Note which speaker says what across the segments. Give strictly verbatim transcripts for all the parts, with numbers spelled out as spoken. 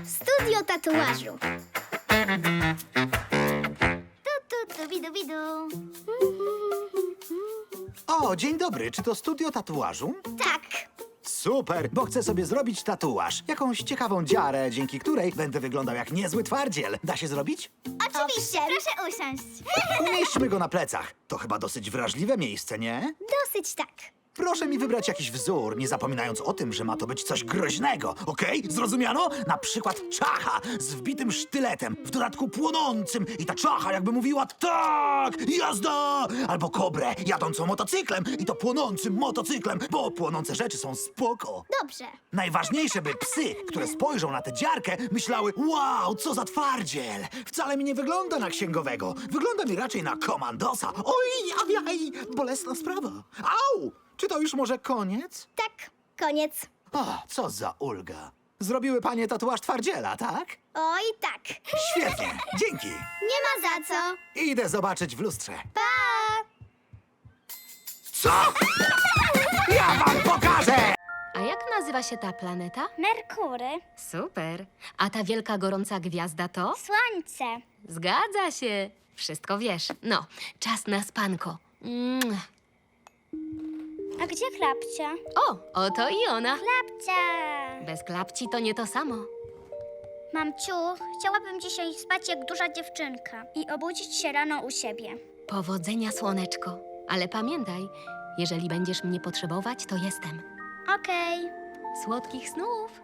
Speaker 1: Studio tatuażu. Tu, tu, tu, widu, widu.
Speaker 2: O, dzień dobry. Czy to studio tatuażu?
Speaker 1: Tak.
Speaker 2: Super, bo chcę sobie zrobić tatuaż. Jakąś ciekawą dziarę, dzięki której będę wyglądał jak niezły twardziel. Da się zrobić?
Speaker 1: Oczywiście, proszę usiąść.
Speaker 2: Umieśćmy go na plecach. To chyba dosyć wrażliwe miejsce, nie?
Speaker 1: Dosyć tak.
Speaker 2: Proszę mi wybrać jakiś wzór, nie zapominając o tym, że ma to być coś groźnego, okej? Zrozumiano? Na przykład czacha z wbitym sztyletem, w dodatku płonącym i ta czacha jakby mówiła tak, jazda! Albo kobrę jadącą motocyklem i to płonącym motocyklem, bo płonące rzeczy są spoko.
Speaker 1: Dobrze.
Speaker 2: Najważniejsze, by psy, które spojrzą na tę dziarkę, myślały, wow, co za twardziel! Wcale mi nie wygląda na księgowego. Wygląda mi raczej na komandosa. Oj, ajaj, bolesna sprawa. Au! Czy to już może koniec?
Speaker 1: Tak, koniec.
Speaker 2: O, co za ulga. Zrobiły panie tatuaż twardziela, tak?
Speaker 1: Oj, tak.
Speaker 2: Świetnie, dzięki.
Speaker 1: Nie ma za co.
Speaker 2: Idę zobaczyć w lustrze.
Speaker 1: Pa!
Speaker 2: Co? Ja wam pokażę!
Speaker 3: A jak nazywa się ta planeta?
Speaker 1: Merkury.
Speaker 3: Super. A ta wielka gorąca gwiazda to?
Speaker 1: Słońce.
Speaker 3: Zgadza się. Wszystko wiesz. No, czas na spanko. Mm.
Speaker 1: A gdzie klapcia?
Speaker 3: O, oto i ona.
Speaker 1: Klapcia.
Speaker 3: Bez klapci to nie to samo.
Speaker 1: Mamciu, chciałabym dzisiaj spać jak duża dziewczynka i obudzić się rano u siebie.
Speaker 3: Powodzenia, słoneczko. Ale pamiętaj, jeżeli będziesz mnie potrzebować, to jestem.
Speaker 1: Okej.
Speaker 3: Słodkich snów.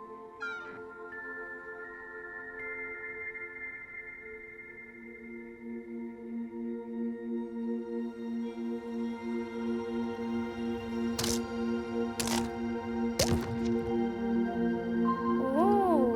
Speaker 1: Uuu.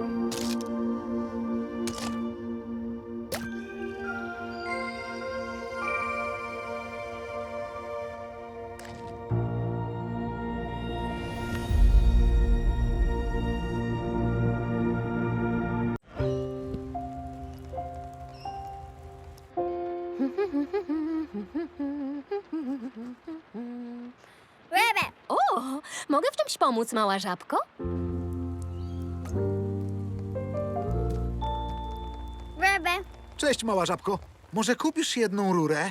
Speaker 1: Rebe.
Speaker 3: O, mogę w czymś pomóc, mała żabko?
Speaker 1: Rebe.
Speaker 2: Cześć, mała żabko. Może kupisz jedną rurę?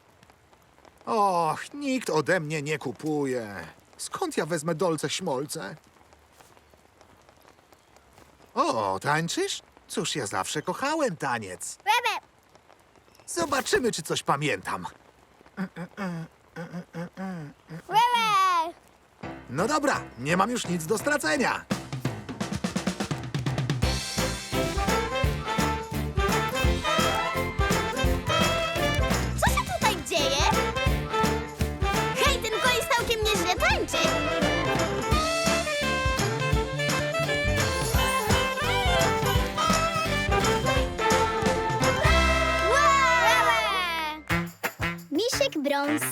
Speaker 2: Och, nikt ode mnie nie kupuje. Skąd ja wezmę dolce śmolce? O, tańczysz? Cóż, ja zawsze kochałem taniec.
Speaker 1: Rebe.
Speaker 2: Zobaczymy, czy coś pamiętam.
Speaker 1: Rebe.
Speaker 2: No dobra, nie mam już nic do stracenia.
Speaker 1: Co się tutaj dzieje? Hej, ten koleś całkiem nieźle tańczy. Wow! Misiek brąz.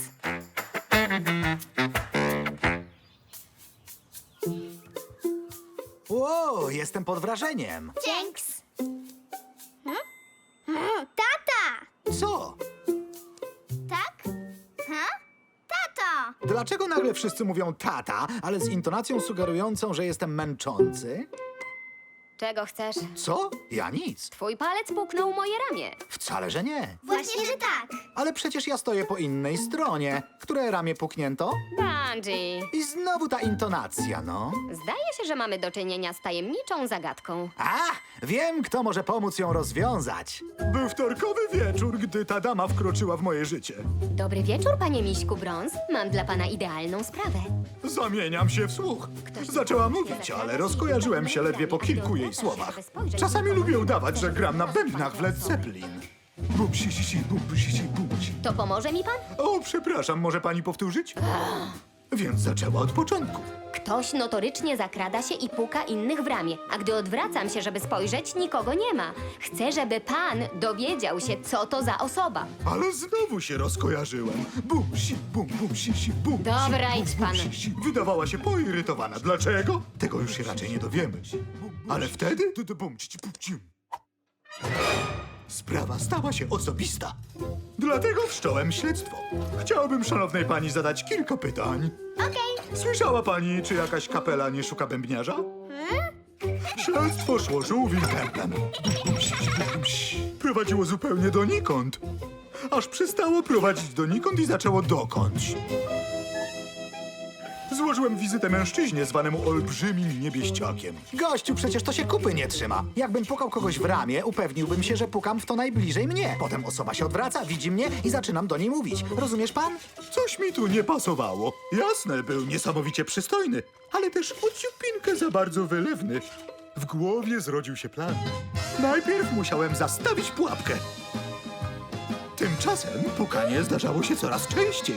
Speaker 2: Ło, jestem pod wrażeniem.
Speaker 1: Dzięks. Hmm? Hmm, tata!
Speaker 2: Co?
Speaker 1: Tak? Ha? Tato!
Speaker 2: Dlaczego nagle wszyscy mówią tata, ale z intonacją sugerującą, że jestem męczący?
Speaker 3: Czego chcesz?
Speaker 2: Co? Ja nic.
Speaker 3: Twój palec puknął moje ramię.
Speaker 2: Wcale, że nie.
Speaker 1: Właśnie, że tak.
Speaker 2: Ale przecież ja stoję po innej stronie. Które ramię puknięto?
Speaker 3: Bungie.
Speaker 2: I znowu ta intonacja, no.
Speaker 3: Zdaje się, że mamy do czynienia z tajemniczą zagadką.
Speaker 2: A, wiem, kto może pomóc ją rozwiązać. Był wtorkowy wieczór, gdy ta dama wkroczyła w moje życie.
Speaker 3: Dobry wieczór, panie Miśku Brąz. Mam dla pana idealną sprawę.
Speaker 2: Zamieniam się w słuch. Zaczęła mówić, ale rozkojarzyłem się ledwie po kilku jej słowach. Czasami lubię udawać, że gram na bębnach w Led Zeppelin. Bum, si, si, si, bum, si, si, bum, si.
Speaker 3: To pomoże mi pan?
Speaker 2: O, przepraszam, może pani powtórzyć? Więc zaczęła od początku.
Speaker 3: Ktoś notorycznie zakrada się i puka innych w ramię, a gdy odwracam się, żeby spojrzeć, nikogo nie ma. Chcę, żeby pan dowiedział się, co to za osoba.
Speaker 2: Ale znowu się rozkojarzyłem. Bum, si, bum, bum, si, si, bum,
Speaker 3: Dobra,
Speaker 2: si,
Speaker 3: idź
Speaker 2: bum,
Speaker 3: pan.
Speaker 2: bum, si, si. Wydawała się poirytowana. Dlaczego? Tego już się raczej nie dowiemy. Ale wtedy... tu, tu, bum, ci, ci, bum, ci. Sprawa stała się osobista. Dlatego wszcząłem śledztwo. Chciałbym szanownej pani zadać kilka pytań.
Speaker 1: Okej.
Speaker 2: Słyszała pani, czy jakaś kapela nie szuka bębniarza? Śledztwo szło żółwim tempem. Prowadziło zupełnie donikąd. Aż przestało prowadzić donikąd i zaczęło dokądś. Złożyłem wizytę mężczyźnie zwanemu olbrzymim niebieściakiem. Gościu, przecież to się kupy nie trzyma. Jakbym pukał kogoś w ramię, upewniłbym się, że pukam w to najbliżej mnie. Potem osoba się odwraca, widzi mnie i zaczynam do niej mówić. Rozumiesz pan? Coś mi tu nie pasowało. Jasne, był niesamowicie przystojny, ale też ociupinkę za bardzo wylewny. W głowie zrodził się plan. Najpierw musiałem zastawić pułapkę. Tymczasem pukanie zdarzało się coraz częściej.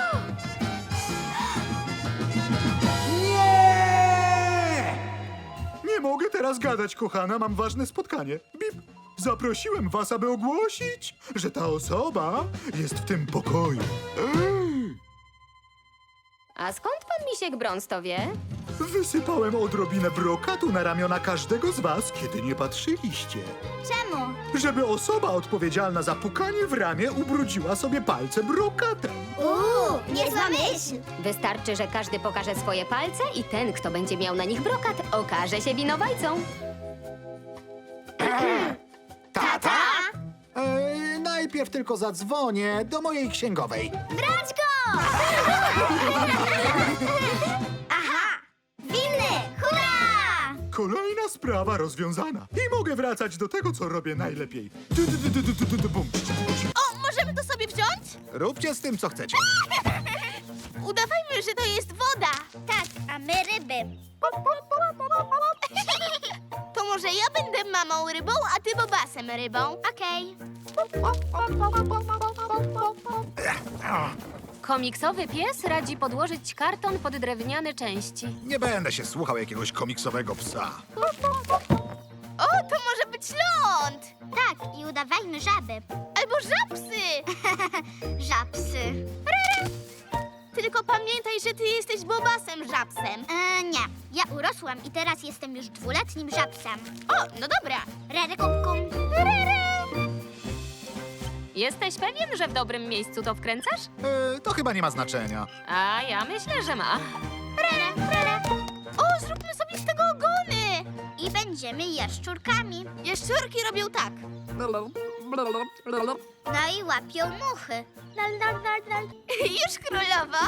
Speaker 2: Nie! Nie mogę teraz gadać, kochana, mam ważne spotkanie. Bip! Zaprosiłem was, aby ogłosić, że ta osoba jest w tym pokoju. Ej!
Speaker 3: A skąd pan Misiek Brąz to wie?
Speaker 2: Wysypałem odrobinę brokatu na ramiona każdego z was, kiedy nie patrzyliście.
Speaker 1: Czemu?
Speaker 2: Żeby osoba odpowiedzialna za pukanie w ramię ubrudziła sobie palce brokatem.
Speaker 1: Uuu, niezła myśl.
Speaker 3: Wystarczy, że każdy pokaże swoje palce i ten, kto będzie miał na nich brokat, okaże się winowajcą.
Speaker 2: Tata? Eee, najpierw tylko zadzwonię do mojej księgowej.
Speaker 1: Brać go! Aha! Winny! Hurra!
Speaker 2: Kolejna sprawa rozwiązana. I mogę wracać do tego, co robię najlepiej. Du, du, du, du, du, du, du, bum.
Speaker 1: O, możemy to sobie wziąć?
Speaker 2: Róbcie z tym, co chcecie.
Speaker 1: Udawajmy, że to jest woda. Tak, a my ryby. To może ja będę mamą rybą, a ty bobasem rybą. Okej.
Speaker 3: Komiksowy pies radzi podłożyć karton pod drewniane części.
Speaker 2: Nie będę się słuchał jakiegoś komiksowego psa.
Speaker 1: O, to może być ląd. Tak, i udawajmy żaby. Albo żabsy. Żabsy. Tylko pamiętaj, że ty jesteś bobasem żabsem. E, nie, ja urosłam i teraz jestem już dwuletnim żabsem. O, no dobra. Rere kupkum. Rere.
Speaker 3: Jesteś pewien, że w dobrym miejscu to wkręcasz?
Speaker 2: E, to chyba nie ma znaczenia.
Speaker 3: A ja myślę, że ma.
Speaker 1: Rere, rere. O, zróbmy sobie z tego ogony. I będziemy jaszczurkami. Jaszczurki robią tak. No i łapią muchy. Lal, lal, lal, lal. Już królowo?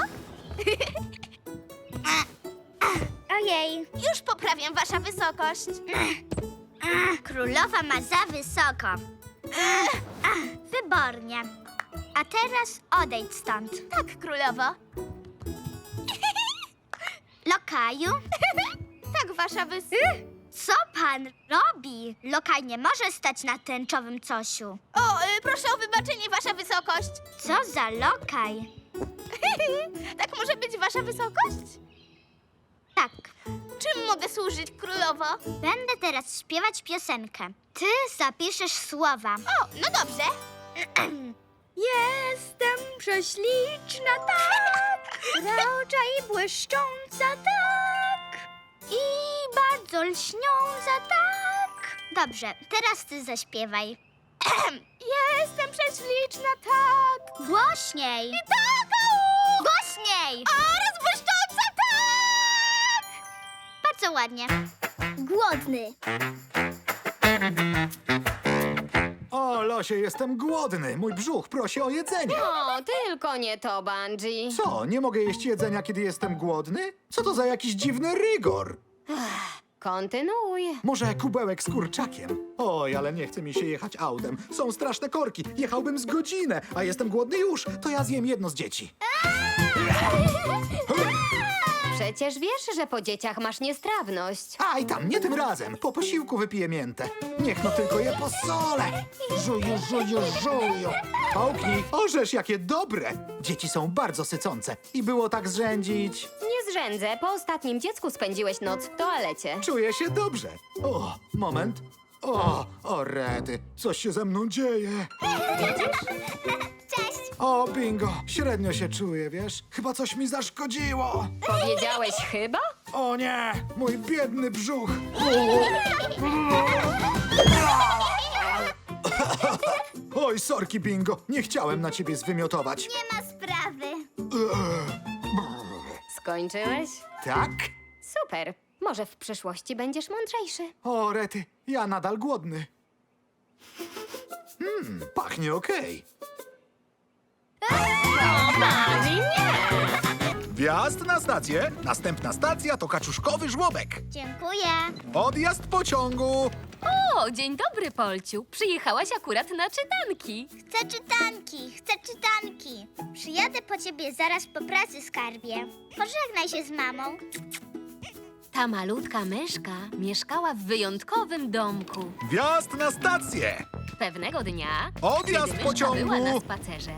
Speaker 1: Ojej. Już poprawiam wasza wysokość. Królowa ma za wysoko. Wybornie. A teraz odejdź stąd. Tak, królowo. Lokaju? Tak, wasza wys... Co pan robi? Lokaj nie może stać na tęczowym cosiu. O, y, proszę o wybaczenie, wasza wysokość. Co za lokaj? Tak może być wasza wysokość? Tak. Czym mogę służyć, królowo? Będę teraz śpiewać piosenkę. Ty zapiszesz słowa. O, no dobrze. Jestem prześliczna, tak, rocza i błyszcząca, tak, i bardzo lśniąca, tak. Dobrze, teraz ty zaśpiewaj. Jestem prześliczna, tak. Głośniej. I tak, au. Głośniej. Oraz błyszcząca, tak. Bardzo ładnie. Głodny.
Speaker 2: O, Losie, jestem głodny. Mój brzuch prosi o jedzenie.
Speaker 3: O, tylko nie to, Bungie.
Speaker 2: Co, nie mogę jeść jedzenia, kiedy jestem głodny? Co to za jakiś dziwny rygor?
Speaker 3: Kontynuuj.
Speaker 2: Może kubełek z kurczakiem? Oj, ale nie chce mi się jechać autem. Są straszne korki. Jechałbym z godzinę, a jestem głodny już. To ja zjem jedno z dzieci.
Speaker 3: Przecież wiesz, że po dzieciach masz niestrawność.
Speaker 2: Aj tam, nie tym razem. Po posiłku wypiję miętę. Niech no tylko je posolę. Żuju, żuju, żuju. Połknij. Orzesz, jakie dobre. Dzieci są bardzo sycące. I było tak zrzędzić.
Speaker 3: Nie zrzędzę, po ostatnim dziecku spędziłeś noc w toalecie.
Speaker 2: Czuję się dobrze. O, moment. O, o rety. Coś się ze mną dzieje.
Speaker 1: Cześć.
Speaker 2: O, bingo. Średnio się czuję, wiesz? Chyba coś mi zaszkodziło.
Speaker 3: Powiedziałeś chyba?
Speaker 2: O nie, mój biedny brzuch. Oj, sorki, bingo. Nie chciałem na ciebie zwymiotować.
Speaker 1: Nie ma sprawy.
Speaker 3: Skończyłeś?
Speaker 2: Tak?
Speaker 3: Super. Może w przyszłości będziesz mądrzejszy.
Speaker 2: O, rety, ja nadal głodny. Hmm, pachnie okej. Wjazd na stację. Następna stacja to kaczuszkowy żłobek.
Speaker 1: Dziękuję.
Speaker 2: Odjazd pociągu.
Speaker 3: O, dzień dobry, Polciu. Przyjechałaś akurat na czytanki.
Speaker 1: Chcę czytanki, chcę czytanki. Przyjadę po ciebie zaraz po pracy, skarbie. Pożegnaj się z mamą.
Speaker 3: Ta malutka myszka mieszkała w wyjątkowym domku.
Speaker 2: Wjazd na stację.
Speaker 3: Pewnego dnia,
Speaker 2: Odjazd
Speaker 3: kiedy myszka
Speaker 2: pociągu.
Speaker 3: była na spacerze,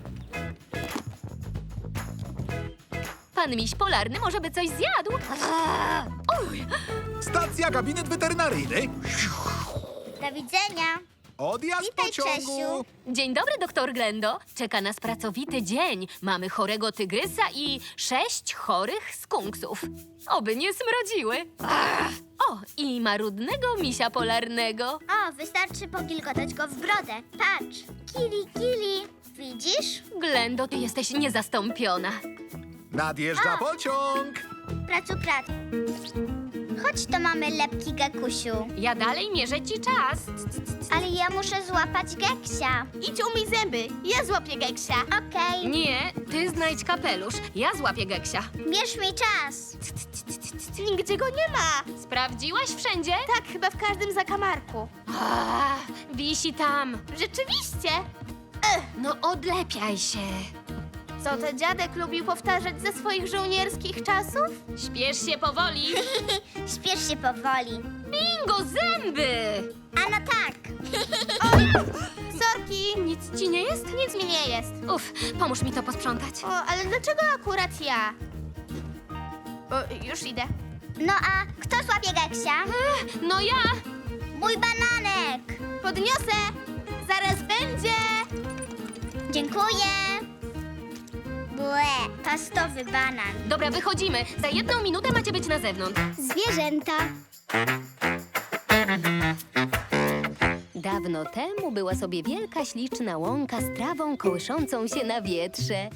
Speaker 3: pan miś polarny może by coś zjadł. Uj,
Speaker 2: Stacja gabinet weterynaryjny.
Speaker 1: Do widzenia.
Speaker 2: Odjazd
Speaker 1: Witaj,
Speaker 2: pociągu.
Speaker 1: Czesiu.
Speaker 3: dzień dobry, doktor Glendo. Czeka nas pracowity dzień. Mamy chorego tygrysa i sześć chorych skunksów. Oby nie smrodziły. Ach. O, i marudnego misia polarnego.
Speaker 1: O, wystarczy pogilgotać go w brodę. Patrz. Kili, kili. Widzisz?
Speaker 3: Glendo, ty jesteś niezastąpiona.
Speaker 2: Nadjeżdża
Speaker 1: A.
Speaker 2: pociąg.
Speaker 1: Pracu, prac. Chodź, to mamy lepki, Gekusiu.
Speaker 3: Ja dalej mierzę ci czas.
Speaker 1: Ale ja muszę złapać Geksia.
Speaker 4: Idź umyj zęby, ja złapię Geksia.
Speaker 1: Okej.
Speaker 3: Nie, ty znajdź kapelusz. Ja złapię Geksia.
Speaker 1: Bierz mi czas.
Speaker 4: Nigdzie go nie ma.
Speaker 3: Sprawdziłaś wszędzie?
Speaker 4: Tak, chyba w każdym zakamarku.
Speaker 3: A, wisi tam.
Speaker 4: Rzeczywiście.
Speaker 3: No odlepiaj się.
Speaker 4: Co ten dziadek lubił powtarzać ze swoich żołnierskich czasów?
Speaker 3: Śpiesz się powoli.
Speaker 1: Śpiesz się powoli.
Speaker 3: Bingo, zęby!
Speaker 1: A no tak.
Speaker 4: Sorki,
Speaker 3: Nic ci nie jest?
Speaker 4: nic mi nie jest.
Speaker 3: Uf, pomóż mi to posprzątać.
Speaker 4: O, ale dlaczego akurat ja? O, już idę.
Speaker 1: No a kto złapie Geksia?
Speaker 3: No ja!
Speaker 1: Mój bananek.
Speaker 4: Podniosę. Zaraz będzie.
Speaker 1: Dziękuję. Błe, pastowy banan.
Speaker 3: Dobra, wychodzimy. Za jedną minutę macie być na zewnątrz.
Speaker 1: Zwierzęta.
Speaker 3: Dawno temu była sobie wielka, śliczna łąka z trawą kołyszącą się na wietrze.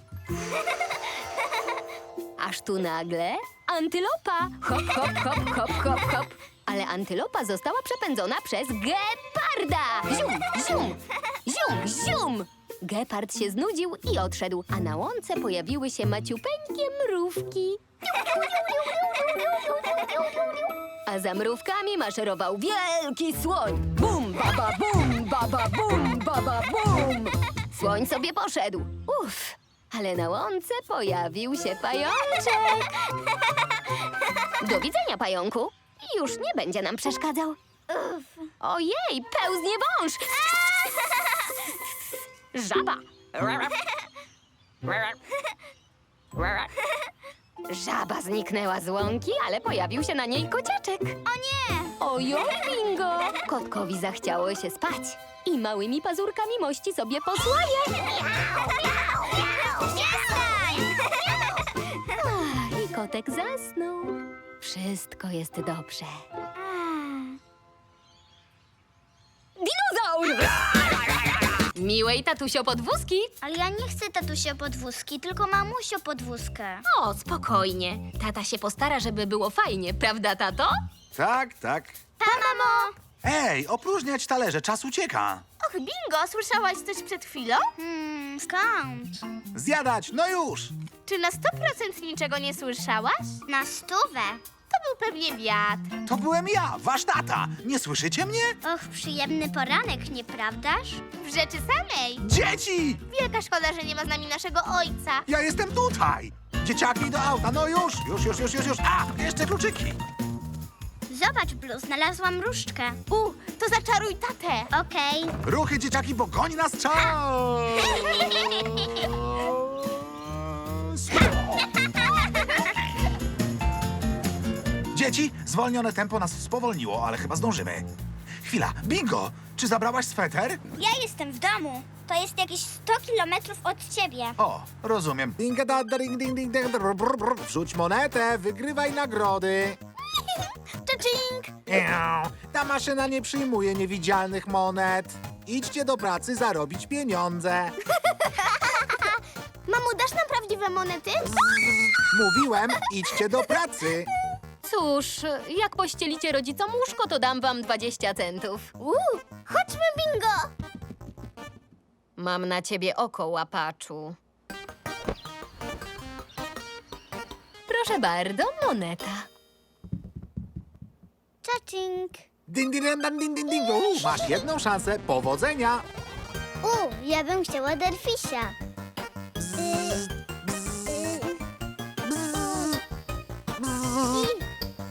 Speaker 3: Aż tu nagle antylopa! Hop, hop, hop, hop, hop, hop. Ale antylopa została przepędzona przez geparda! Zium, zium, zium, zium! Gepard się znudził i odszedł, a na łące pojawiły się maciupeńkie mrówki. A za mrówkami maszerował wielki słoń. Bum, baba, bum, baba, bum, baba, bum. Słoń sobie poszedł. Uff, ale na łące pojawił się pajączek. Do widzenia, pająku. Już nie będzie nam przeszkadzał. Ojej, pełznie wąż. Żaba. Żaba zniknęła z łąki, ale pojawił się na niej kociaczek.
Speaker 1: O nie!
Speaker 3: Ojoj, bingo! Kotkowi zachciało się spać i małymi pazurkami mości sobie posłanie.
Speaker 1: Przestań!
Speaker 3: Ach, I kotek zasnął. Wszystko jest dobrze. Dinozaur! Miłej tatusio podwózki.
Speaker 1: Ale ja nie chcę tatusio podwózki, tylko mamusio podwózkę.
Speaker 3: O, spokojnie. Tata się postara, żeby było fajnie, prawda, tato?
Speaker 2: Tak, tak.
Speaker 1: Pa, mamo!
Speaker 2: Ej, opróżniać talerze, czas ucieka.
Speaker 4: Och, bingo, słyszałaś coś przed chwilą?
Speaker 1: Hmm, skąd?
Speaker 2: Zjadać, no już.
Speaker 4: Czy na sto procent niczego nie słyszałaś?
Speaker 1: Na stówę.
Speaker 4: To był pewnie wiatr.
Speaker 2: To byłem ja, wasz tata. Nie słyszycie mnie?
Speaker 1: Och, przyjemny poranek, nieprawdaż?
Speaker 4: W rzeczy samej.
Speaker 2: Dzieci!
Speaker 4: Wielka szkoda, że nie ma z nami naszego ojca.
Speaker 2: Ja jestem tutaj. Dzieciaki do auta, no już, już, już, już, już, już. A, jeszcze kluczyki.
Speaker 1: Zobacz, Blue, znalazłam różdżkę.
Speaker 4: U, to zaczaruj tatę.
Speaker 1: Okej.
Speaker 2: Ruchy, dzieciaki, bo goni nas czas. Dzieci, zwolnione tempo nas spowolniło, ale chyba zdążymy. Chwila, bingo! Czy zabrałaś sweter?
Speaker 1: Ja jestem w domu. To jest jakieś sto kilometrów od ciebie.
Speaker 2: O, rozumiem. Ding, da, da, ding, ding, ding, ding, brr, brr, brr. Wrzuć monetę, wygrywaj nagrody.
Speaker 4: Cza-ching!
Speaker 2: Eau, ta maszyna nie przyjmuje niewidzialnych monet. Idźcie do pracy zarobić pieniądze.
Speaker 4: Mamu, dasz nam prawdziwe monety?
Speaker 2: Mówiłem, idźcie do pracy.
Speaker 3: Cóż, jak pościelicie rodzicom łóżko, to dam wam dwadzieścia centów.
Speaker 1: Uuu, chodźmy, bingo!
Speaker 3: Mam na ciebie oko, łapaczu. Proszę bardzo, moneta.
Speaker 1: Czacing.
Speaker 2: Din, din, din, din, din, din. U, masz jedną szansę. Powodzenia.
Speaker 1: U, ja bym chciała derfisia. Y, y,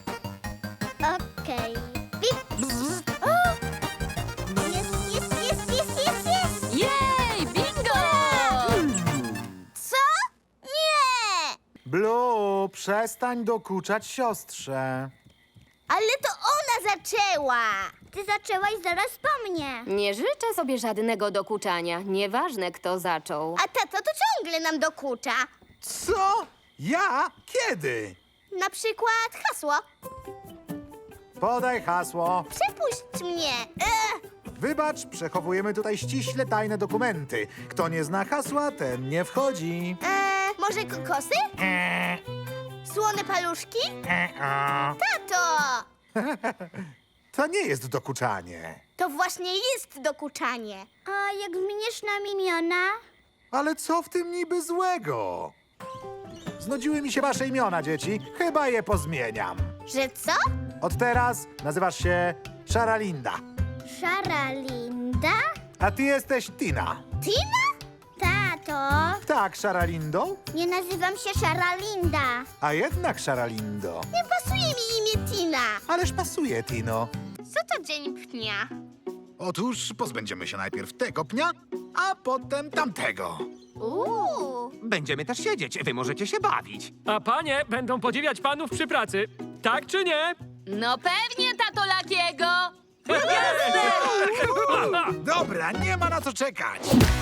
Speaker 1: Okej. Pip. O! Jest, jest, jest, jest, jest, jest!
Speaker 3: Jej, bingo!
Speaker 1: Co? Nie!
Speaker 2: Blue, przestań dokuczać siostrze.
Speaker 1: Ale to ona zaczęła! Ty zaczęłaś zaraz po mnie.
Speaker 3: Nie życzę sobie żadnego dokuczania, nieważne kto zaczął.
Speaker 1: A tato to ciągle nam dokucza.
Speaker 2: Co? Ja? Kiedy?
Speaker 1: Na przykład hasło.
Speaker 2: Podaj hasło.
Speaker 1: Przepuść mnie. Ech.
Speaker 2: Wybacz, przechowujemy tutaj ściśle tajne dokumenty. Kto nie zna hasła, ten nie wchodzi.
Speaker 1: Eee, może kokosy? Słone paluszki? Tato!
Speaker 2: To nie jest dokuczanie.
Speaker 1: To właśnie jest dokuczanie. A jak zmienisz nam imiona?
Speaker 2: Ale co w tym niby złego? Znudziły mi się wasze imiona, dzieci. Chyba je pozmieniam.
Speaker 1: Że co?
Speaker 2: Od teraz nazywasz się Szaralinda,
Speaker 1: Szara Linda?
Speaker 2: a ty jesteś Tina.
Speaker 1: Tina? Tato,
Speaker 2: Tak, Szaralindo?
Speaker 1: nie nazywam się Szara Linda.
Speaker 2: A jednak Szaralindo.
Speaker 1: Nie pasuje mi imię Tina.
Speaker 2: Ależ pasuje, Tino.
Speaker 1: Co to dzień pnia?
Speaker 2: Otóż pozbędziemy się najpierw tego pnia, a potem tamtego.
Speaker 1: Uuu.
Speaker 5: Będziemy też siedzieć, wy możecie się bawić.
Speaker 6: A panie będą podziwiać panów przy pracy. Tak czy nie?
Speaker 3: No pewnie, tato Lakiego!
Speaker 2: Dobra, nie ma na co czekać.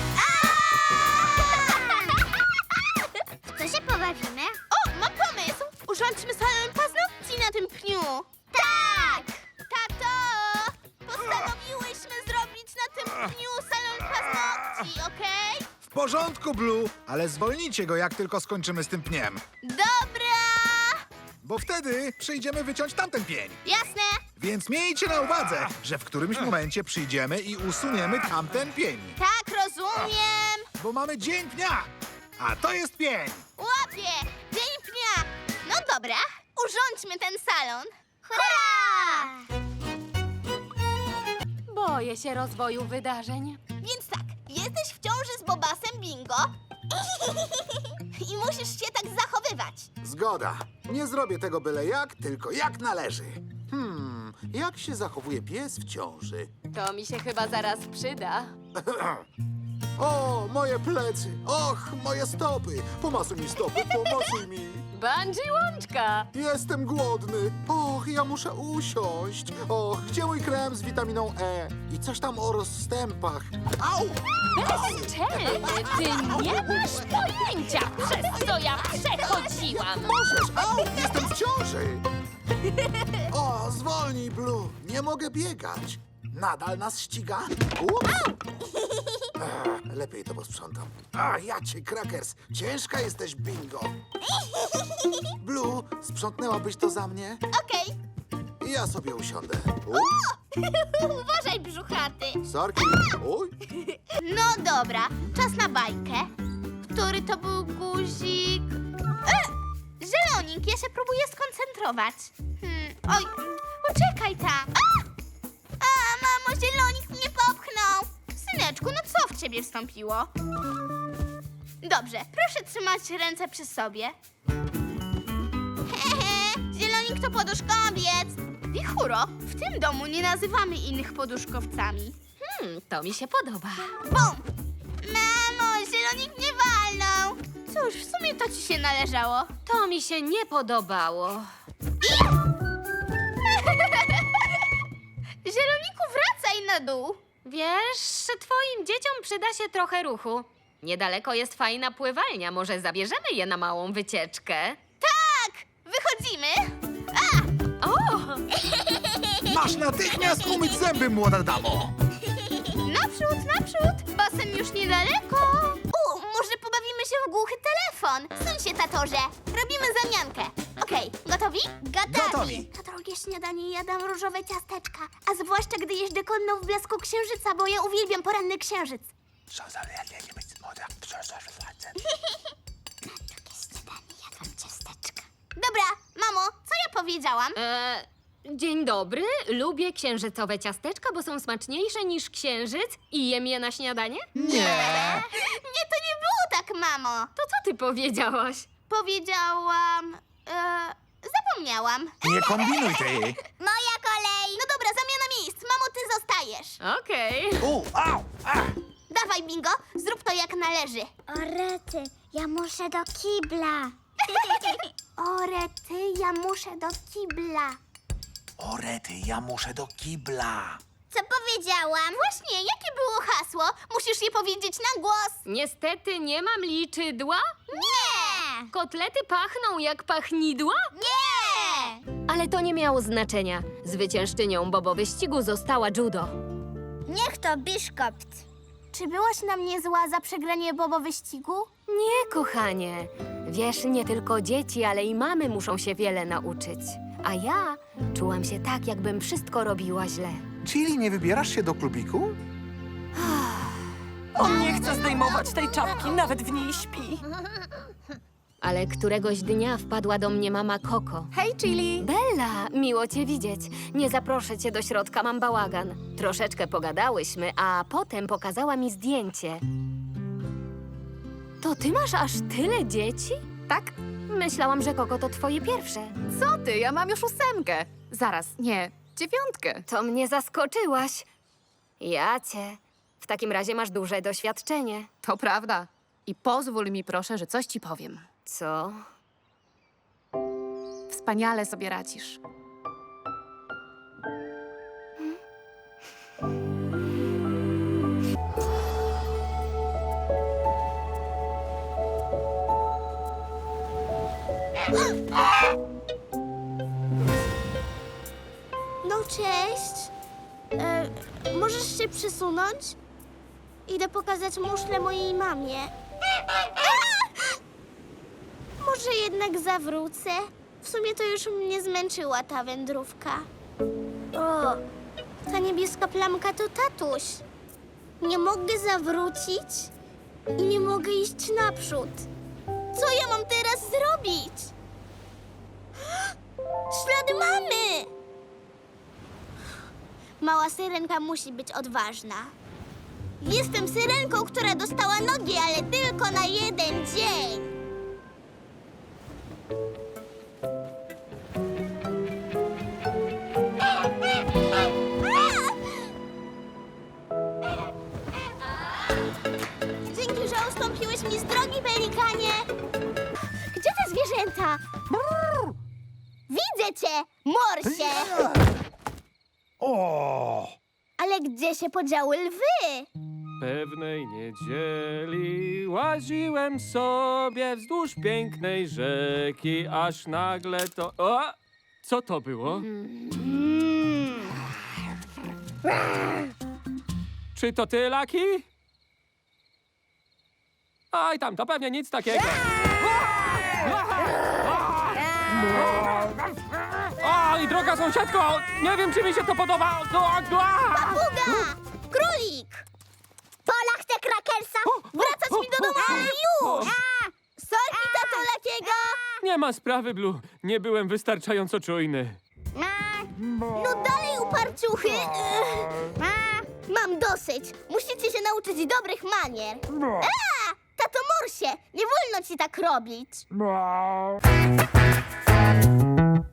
Speaker 1: W co się pobawimy?
Speaker 4: O, mam pomysł! Urządźmy salon paznokci na tym pniu.
Speaker 1: Tak!
Speaker 4: Tato! Postanowiłyśmy zrobić na tym pniu salon paznokci, okej?
Speaker 2: W porządku, Blue, ale zwolnijcie go, jak tylko skończymy z tym pniem.
Speaker 4: Dobra!
Speaker 2: Bo wtedy przyjdziemy wyciąć tamten pień.
Speaker 4: Jasne?
Speaker 2: Więc miejcie na uwadze, że w którymś momencie przyjdziemy i usuniemy tamten pień.
Speaker 4: Tak, rozumiem.
Speaker 2: Bo mamy dzień pnia, a to jest pień.
Speaker 4: Łapię! Dzień pnia! No dobra, urządźmy ten salon.
Speaker 1: Hurra!
Speaker 3: Boję się rozwoju wydarzeń.
Speaker 4: Więc tak, jesteś w ciąży z Bobasem Bingo i musisz się tak zachowywać.
Speaker 2: Zgoda. Nie zrobię tego byle jak, tylko jak należy. Hmm, jak się zachowuje pies w ciąży?
Speaker 3: To mi się chyba zaraz przyda.
Speaker 2: O, moje plecy! Och, moje stopy! Pomasuj mi stopy, pomasuj mi!
Speaker 3: Bungee łączka!
Speaker 2: Jestem głodny! Och, ja muszę usiąść! Och, gdzie mój krem z witaminą E? I coś tam o rozstępach. Au!
Speaker 3: Bezczelny, ty nie masz pojęcia, przez co ja przechodziłam!
Speaker 2: Możesz! Au! Jestem w ciąży! O, zwolnij, Blue! Nie mogę biegać! Nadal nas ściga? Ups! Ech, lepiej to posprzątam. A, ja cię, Crackers! Ciężka jesteś, Bingo! Blue, sprzątnęłabyś to za mnie?
Speaker 4: Okej,
Speaker 2: Ja sobie usiądę.
Speaker 4: uważaj, brzuchaty.
Speaker 2: Sorki! Uj!
Speaker 4: No dobra, czas na bajkę. Który to był guzik? E! Zielonik, ja się próbuję skoncentrować. Hmm, oj, poczekaj tam. A! A, mamo, zielonik mnie popchnął. Syneczku, no co w ciebie wstąpiło? Dobrze, proszę trzymać ręce przy sobie. Hehe, zielonik to poduszkowiec. Wichuro, w tym domu nie nazywamy innych poduszkowcami.
Speaker 3: Hmm, to mi się podoba.
Speaker 4: Bum! Mamo, zielonik mnie walnął. Cóż, w sumie to ci się należało.
Speaker 3: To mi się nie podobało.
Speaker 4: Zieloniku, wracaj na dół.
Speaker 3: Wiesz, twoim dzieciom przyda się trochę ruchu. Niedaleko jest fajna pływalnia, może zabierzemy je na małą wycieczkę?
Speaker 4: Tak, wychodzimy. A!
Speaker 3: O!
Speaker 2: Masz natychmiast umyć zęby, młoda damo!
Speaker 4: Naprzód, naprzód. Basen już niedaleko. U, może pobawimy się w głuchy telefon. Suń się, tatorze. Robimy zamiankę. Okej, gotowi?
Speaker 2: Gotowi.
Speaker 4: To drugie śniadanie jadam różowe ciasteczka. A zwłaszcza, gdy jeżdżę konno w blasku księżyca, bo ja uwielbiam poranny księżyc. Dobra, mamo, co ja powiedziałam?
Speaker 3: E, dzień dobry, lubię księżycowe ciasteczka, bo są smaczniejsze niż księżyc i jem je na śniadanie?
Speaker 2: Nie.
Speaker 4: Nie, to nie było tak, mamo.
Speaker 3: To co ty powiedziałaś?
Speaker 4: Powiedziałam... E, zapomniałam.
Speaker 2: Nie kombinuj ty.
Speaker 4: Moja kolej. No dobra, zamiana miejsc. Mamo, ty zostajesz.
Speaker 3: Okej.
Speaker 2: U, au, a.
Speaker 4: Dawaj, bingo, zrób to jak należy.
Speaker 1: O rety, ja muszę do kibla.
Speaker 4: O rety, ja muszę do kibla.
Speaker 2: O rety, ja muszę do kibla.
Speaker 1: Co powiedziałam?
Speaker 4: Właśnie, jakie było hasło? Musisz je powiedzieć na głos.
Speaker 3: Niestety nie mam liczydła.
Speaker 1: Nie!
Speaker 3: Kotlety pachną jak pachnidła?
Speaker 1: Nie!
Speaker 3: Ale to nie miało znaczenia. Zwyciężczynią Bobo wyścigu została Judo.
Speaker 1: Niech to biszkopt.
Speaker 4: Czy byłaś na mnie zła za przegranie Bobo wyścigu?
Speaker 3: Nie, kochanie. Wiesz, nie tylko dzieci, ale i mamy muszą się wiele nauczyć. A ja czułam się tak, jakbym wszystko robiła źle.
Speaker 2: Czyli nie wybierasz się do klubiku?
Speaker 7: On nie chce zdejmować tej czapki, nawet w niej śpi.
Speaker 3: Ale któregoś dnia wpadła do mnie mama Koko.
Speaker 7: Hej, Chili!
Speaker 3: Bella, miło cię widzieć. Nie zaproszę cię do środka, mam bałagan. Troszeczkę pogadałyśmy, a potem pokazała mi zdjęcie. To ty masz aż tyle dzieci?
Speaker 7: Tak?
Speaker 3: Myślałam, że Koko to twoje pierwsze.
Speaker 7: Co ty? Ja mam już ósemkę. Zaraz, nie, dziewiątkę.
Speaker 3: To mnie zaskoczyłaś. Ja cię. W takim razie masz duże doświadczenie.
Speaker 7: To prawda. I pozwól mi proszę, że coś ci powiem.
Speaker 3: Co?
Speaker 7: Wspaniale sobie radzisz.
Speaker 4: No cześć. E, możesz się przesunąć? Idę pokazać muszlę mojej mamie. Może jednak zawrócę? W sumie to już mnie zmęczyła ta wędrówka. O, ta niebieska plamka to tatuś. Nie mogę zawrócić i nie mogę iść naprzód. Co ja mam teraz zrobić? Ślady mamy! Mała syrenka musi być odważna. Jestem syrenką, która dostała nogi, ale tylko na jeden dzień. Dzięki, że ustąpiłeś mi z drogi, pelikanie. Gdzie te zwierzęta? Widzę cię, morsie!
Speaker 2: O!
Speaker 4: Ale gdzie się podziały lwy?
Speaker 6: Pewnej niedzieli łaziłem sobie wzdłuż pięknej rzeki, aż nagle to... O! Co to było? Czy to ty, Laki? Aj tam, to pewnie nic takiego. O, i droga sąsiadko, nie wiem, czy mi się to podoba.
Speaker 4: Papuga! Królik! Pola chce krakersa! Wracać mi do domu, ale już! Sorki, tato Lakiego!
Speaker 6: Nie ma sprawy, Blue. Nie byłem wystarczająco czujny.
Speaker 4: No dalej, uparciuchy! Mam dosyć. Musicie się nauczyć dobrych manier. A! Tato Morsie, nie wolno ci tak robić.